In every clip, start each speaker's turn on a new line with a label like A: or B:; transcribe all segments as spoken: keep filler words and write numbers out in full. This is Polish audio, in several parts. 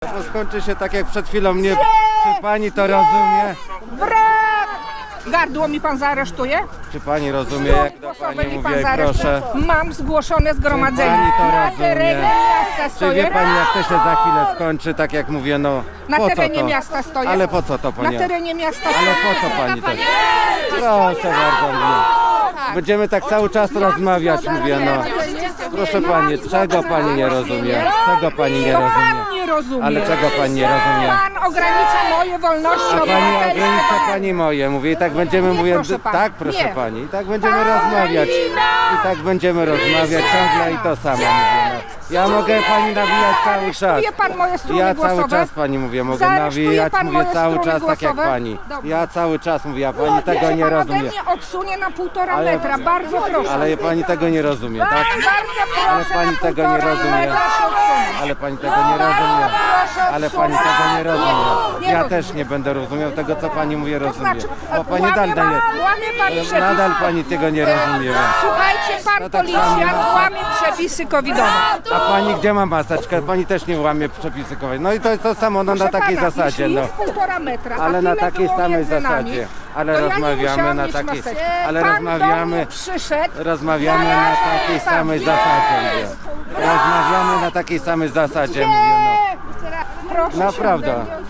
A: bo skończy się tak jak przed chwilą mnie. Czy pani to rozumie?
B: Brak! Gardło mi pan zaaresztuje?
A: Czy pani rozumie, jak do
B: Głosowe
A: pani
B: mi
A: mówię,
B: pan
A: proszę?
B: zaaresztuje. Mam zgłoszone zgromadzenie.
A: Pani to
B: Na
A: rozumie?
B: terenie miasta
A: Czy
B: stoję.
A: wie pani, jak to się za chwilę skończy, tak jak mówię, no
B: Na
A: po co
B: terenie
A: to?
B: miasta stoję.
A: Ale po co to
B: Na
A: pani?
B: terenie miasta
A: Ale
B: stoję.
A: po co pani to? Proszę bardzo mnie. Będziemy tak cały czas rozmawiać, mówię, no. Proszę pani, czego pani nie rozumie? Czego pani nie
B: To
A: rozumie?
B: pan nie rozumie.
A: Ale czego pani nie rozumie?
B: Pan ogranicza moje wolności
A: A pani
B: obywatelskie.
A: ogranicza pani moje, mówię, i tak będziemy,
B: Nie,
A: mówię,
B: proszę pana.
A: tak proszę
B: Nie.
A: pani, i tak będziemy rozmawiać. I tak będziemy rozmawiać ciągle i to samo mówię, no. Ja mogę pani nawijać cały czas.
B: Zaaresztuje pan moje struny
A: Ja
B: głosowe?
A: cały czas pani mówię, mogę
B: Zaaresztuje
A: nawijać,
B: pan
A: mówię
B: moje
A: cały
B: struny
A: czas tak jak
B: głosowe?
A: pani.
B: Dobrze.
A: Ja cały czas mówię, a pani
B: Niech
A: tego
B: się
A: nie
B: pan ode
A: rozumie.
B: mnie odsunie na półtora
A: Ale-
B: metra, bardzo proszę.
A: Ale pani tego nie rozumie, tak?
B: Bardzo proszę,
A: Ale pani
B: na
A: tego nie
B: półtora
A: rozumie.
B: metra się odsunąć.
A: Ale pani tego nie rozumie.
B: Proszę
A: Ale pani
B: odsunąć.
A: tego nie rozumie.
B: Nie, nie
A: Ja
B: rozumiem.
A: też nie będę rozumiał tego, co pani mówi,
B: To
A: rozumie.
B: znaczy,
A: Bo pani
B: łamie
A: nadal
B: pan,
A: nie.
B: łamie pan przepisy.
A: Nadal pani tego nie rozumie.
B: Słuchajcie, pan
A: No tak
B: policjant
A: samo.
B: łamie przepisy covidowe.
A: A pani gdzie ma maseczkę? Pani też nie łamie przepisy COVID. No i to jest to samo, no na
B: Proszę
A: takiej
B: pana,
A: zasadzie,
B: jeśli
A: no.
B: jest półtora metra, a
A: Ale na
B: tyle
A: takiej
B: było
A: samej
B: między nami,
A: zasadzie. Ale
B: to ja nie
A: rozmawiamy
B: musiałam
A: na
B: mieć
A: takiej,
B: maseczki.
A: ale
B: Pan do
A: rozmawiamy,
B: mnie przyszedł.
A: rozmawiamy na
B: Naraża
A: takiej
B: mnie pan.
A: samej zasadzie, mówię. Rozmawiamy na takiej samej zasadzie, mówię,
B: Proszę
A: no. Naprawdę.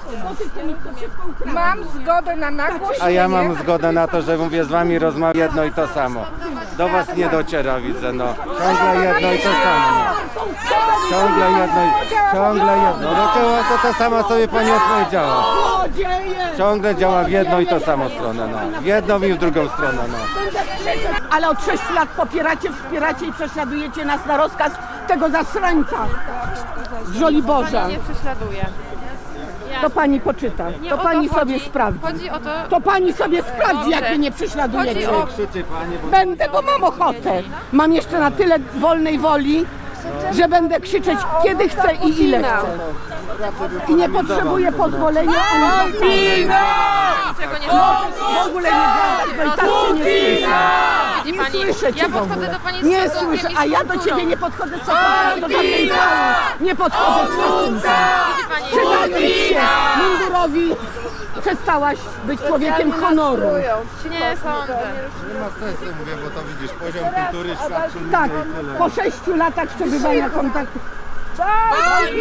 B: się. Mam zgodę na nagłośnienie.
A: A ja mam zgodę na to, że mówię z wami rozmawiam jedno i to samo. Do was nie dociera, widzę, no. Ciągle jedno i to samo, no. Ciągle jedno i... Ciągle jedno. No to, to to samo sobie pani odpowiedziała. Ciągle działa w jedną i to samo stronę, no. W jedną i w drugą stronę, no.
C: Ale od sześciu lat popieracie, wspieracie i prześladujecie nas na rozkaz tego zasrańca z Żoliborza.
D: Nie prześladuję. Ja.
C: To pani poczyta,
D: Nie
C: to
D: o to
C: pani
D: chodzi.
C: sobie sprawdzi.
D: Chodzi o to,
C: To pani sobie sprawdzi, jak
D: Dobrze.
C: mnie nie prześladujecie.
D: Chodzi o-
A: Krzyczy pani, bo...
C: Będę, bo mam ochotę. Mam jeszcze na tyle wolnej woli, że będę krzyczeć kiedy chcę i ile chcę. I nie potrzebuję pozwolenia ani
D: niczego nie zrobię.
C: w ogóle nie gadać, bo i tak się nie słyszę.
D: Widzi
C: Nie
D: pani,
C: słyszę cię
D: ja
C: w
D: podchodzę
C: ogóle.
D: do pani z
C: Nie
D: szacunkiem
C: słyszę,
D: i z
C: a ja do
D: kulturą.
C: ciebie nie podchodzę z szacunkiem, do żadnej pały. Nie podchodzę z szacunkiem.
D: Widzi pani,
C: Przydając się mundurowi, przestałaś być człowiekiem honoru.
D: nie sądzę.
A: Nie ma sensu, mówię, bo to widzisz, poziom kultury świadczy
C: Tak,
A: ludzie i tyle.
C: po sześciu latach przebywania kontaktu.